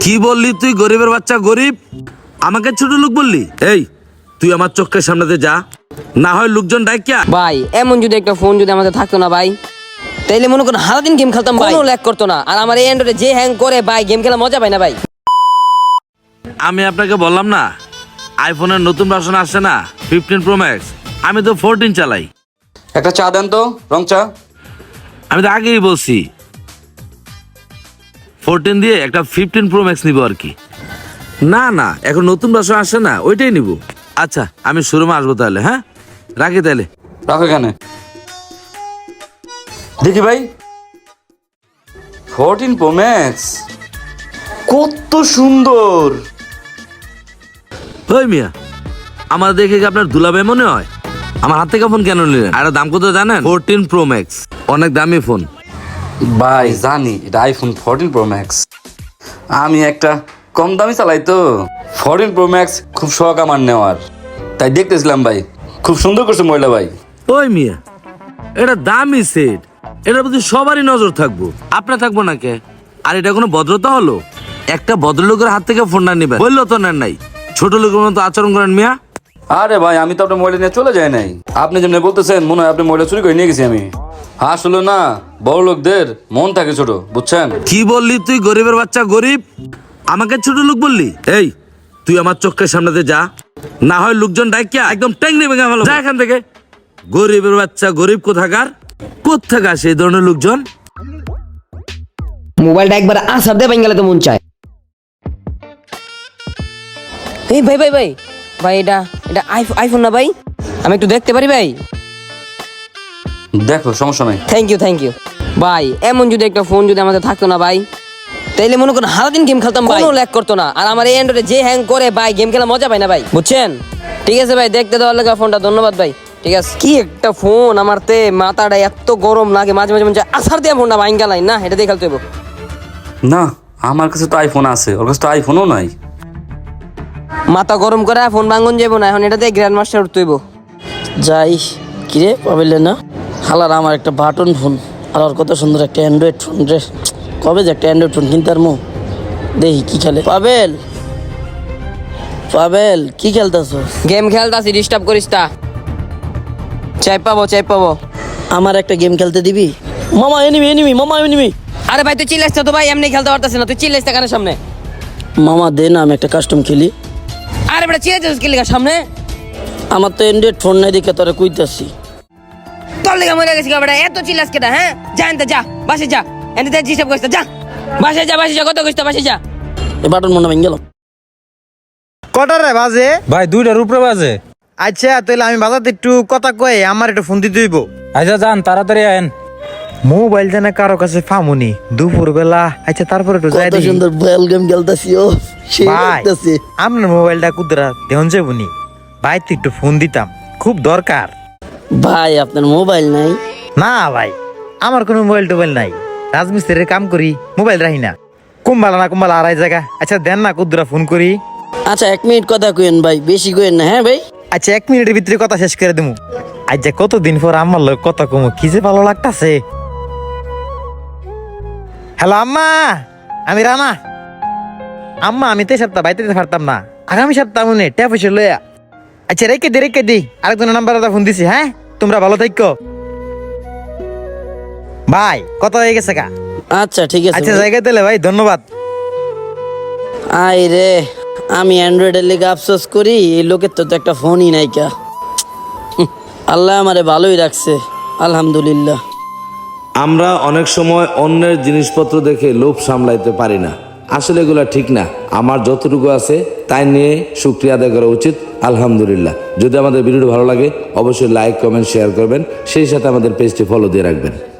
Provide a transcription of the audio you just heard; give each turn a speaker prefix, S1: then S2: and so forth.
S1: কি বললি তুই? গরিবের বাচ্চা গরিব, আমাকে ছোট লোক বললি? এই তুই আমার চোখের সামনেতে যা, না হয় লোকজন ডাইকা।
S2: ভাই এমন যদি একটা ফোন যদি আমাদের থাকতো না ভাই, তাইলে মনে করেন সারাদিন গেম খেলতাম ভাই, কোনো ল্যাগ করতো না। আর আমার এই অ্যান্ড্রয়েডে যে হ্যাং করে ভাই, গেম খেলা মজা পাই না ভাই।
S1: আমি আপনাকে বললাম না, আইফোনের নতুন ভার্সন আসছে না, 15 প্রো ম্যাক্স। আমি তো 14 চালাই।
S3: একটা চা দেন তো, রং চা।
S1: আমি তো আগেই বলছি 14 দিয়ে একটা 15 প্রো ম্যাক্স নিব আর কি। না না, এখন নতুন ভার্সন আসছে না, ওইটাই নিব। আচ্ছা আমি শোরুমে আসবো তাহলে। হ্যাঁ রাখি তাহলে।
S3: রাখো এখানে। দেখি ভাই, 14 প্রো ম্যাক্স কত সুন্দর।
S1: ওই মিয়া, আমার দেখে কি আপনার দুলাভাই মনে হয়? আমার হাত থেকে ফোন কেন নিলেন? আর দাম কত জানেন? 14 প্রো ম্যাক্স, অনেক দামি ফোন।
S3: ভাই জানি এটা আইফোন 14 প্রো ম্যাক্স, আমি একটা কম দামি চালাই তো। 14 প্রো ম্যাক্স খুব শখ আমার নেওয়ার, তাই দেখতেছিলাম ভাই। খুব সুন্দর করছে মহিলা ভাই।
S1: ওই মিয়া, এটা দামি সেট, এটার প্রতি সবারই নজর থাকবো, আপনার থাকবো না কে? আর এটা কোনো ভদ্রতা হলো? একটা ভদ্রলোকের হাত থেকে ফোনটা নিবেন, বললো তো নেন নাই। ছোট লোকের মতো আচরণ করেন মিয়া।
S3: আরে ভাই আমি তো আপনার মহিলা নিয়ে চলে যাই নাই, আপনি যেমনি বলতেছেন মনে হয় আপনি মহিলা চুরি করে নিয়ে গেছি আমি। আসলে না, বড় লোকদের মন থাকে ছোট, বুঝছেন?
S1: কি বললি তুই? গরিবের বাচ্চা গরিব, আমাকে ছোট লোক বললি? এই তুই আমার চোখের সামনেতে যা, না হয় লোকজন ডাইকা একদম ট্যাংরি ভেঙে ফেলো। যা এখান থেকে। গরিবের বাচ্চা গরিব কোথাকার, কোত্থেকে আসে এই ধরনের লোকজন?
S2: মোবাইলটা একবার আসার দিয়ে ভেঙে গেলে তো মন চায়। এই ভাই ভাই ভাই ভাই, এটা এটা আইফোন না ভাই? আমি একটু দেখতে পারি ভাই?
S3: দেখো সমস্যা নাই।
S2: থ্যাংক ইউ ভাই। এমন যদি একটা ফোন যদি আমাদের থাকতো না ভাই, তাইলে মনে করেন সারাদিন গেম খেলতাম ভাই, কোনো ল্যাগ করতো না। আর আমার এই অ্যান্ড্রয়েডে যে হ্যাং করে ভাই, গেম খেলা মজা পাই না ভাই, বুঝছেন? ঠিক আছে ভাই, দেখতে দেওয়ার লেগে ফোনটা ধন্যবাদ ভাই। ঠিক আছে। কি একটা ফোন, আমার তে মাথাটা এত গরম লাগে মাঝে মাঝে মনে চায় আসার দিয়ে ফোনটা ভাঙ্গা লাই না, এটা দিয়ে খেলতে হইব।
S3: না, আমার কাছে তো আইফোন আছে, ওর কাছে তো আইফোনও নাই।
S2: মাথা গরম করে ফোন ভাঙ্গন যাবো না, এখন এটা দিয়ে গ্র্যান্ড মাস্টার উঠতে হইব।
S4: যাই কিরে পাবেলে না হালার, আমার একটা বাটন ফোন আর ওর কত সুন্দর একটা অ্যান্ড্রয়েড ফোন রে। কবে যে একটা অ্যান্ড্রয়েড ফোন কিনতে আর মো দেখি কি খেলে। পাবেল পাবেল কি খেলতেছ?
S2: গেম খেলতাছি, ডিস্টার্ব করিস তা। চাই পাবো।
S4: আমার একটা গেম খেলতে দিবি? মামা এনিমি মামা এনিমি।
S2: আরে ভাই তুই চিল্লাইছ তো ভাই, এমনি খেলতে পারতাছিস না, তুই চিল্লাইছ কানের সামনে।
S4: মামা দে না, আমি একটা কাস্টম খেলি।
S2: আরে বেটা চিল্লাইছিস কি লিগা সামনে?
S4: আমার তো অ্যান্ড্রয়েড ফোন নাই দেখে তোরা কইতাছি।
S2: তোর লিগা মরে গেছিস বেটা, এত চিল্লাস কেটা? হ্যাঁ যা এনতে যা, বাসে যা, এনতে ডিস্টার্ব করিস না, যা বাসে যা, কত কইছ বাসে যা।
S4: এই বাটন মনে ভেঙে গেল।
S5: কটারে বাজে?
S6: ভাই 2টার উপরে বাজে।
S5: আচ্ছা তাহলে আমি বাজাতে একটু কথা কয়ে আমার একটু ফোন দিতে হইব।
S6: আচ্ছা যান তাড়াতাড়ি আয়েন।
S5: মোবাইল জানা কারো কাছে ফামুনি দুপুর বেলা। আচ্ছা তারপরে একটু যাই
S4: কত
S5: দেখি।
S4: সুন্দর বল গেম খেলতাছি। ও সেই
S5: ভাই
S4: লাগতাছে।
S5: আপনার মোবাইলটা কুদরা দেহন যাবনি, ভাই তো একটু ফোন দিতাম, খুব দরকার।
S4: ভাই আপনার মোবাইল নাই?
S5: না ভাই, আমার কোনো মোবাইল টোবাইল নাই, রাজমিস্ত্রির কাম করি, মোবাইল রাখি না। কুম্বালা আড়াই জায়গা। আচ্ছা দেন না কুদরা ফোন করি।
S4: আচ্ছা 1 মিনিট কথা কইেন ভাই, বেশি কইেন না। হ্যাঁ ভাই
S5: আচ্ছা 1 মিনিটের ভিতরে কথা শেষ করে দেবো। আচ্ছা কতদিন পর আমার লোক কথা কমো, কি যে ভালো লাগতাছে। হ্যালো আম্মা, আমি রানা। আম্মা আমি তো সপ্তাহ বাইতে পারতাম না, আগামী সপ্তাহ মনে ট্যাপ এসে লইয়া। আচ্ছা রেখে দি আরেকজনের নাম্বার ফোন দিছি। হ্যাঁ তোমরা ভালো থাকো ভাই, কথা হয়ে গেছে কা?
S4: আচ্ছা ঠিক আছে।
S5: আচ্ছা জায়গা দিলে ভাই ধন্যবাদ।
S4: আই রে, আমি অ্যান্ড্রয়েডের লেগে আফসোস করি, এই লোকের তো একটা ফোনই নাই কা। আল্লাহ আমারে ভালোই রাখছে, আলহামদুলিল্লাহ।
S1: আমরা অনেক সময় অন্যের জিনিসপত্র দেখে লোভ সামলাইতে পারি না, আসলে এগুলো ঠিক না। আমার যতটুকু আছে তাই নিয়ে শুকরিয়া আদায় করা উচিত, আলহামদুলিল্লাহ। যদি আমাদের ভিডিওটি ভালো লাগে অবশ্যই লাইক কমেন্ট শেয়ার করবেন, সেই সাথে আমাদের পেজটি ফলো দিয়ে রাখবেন।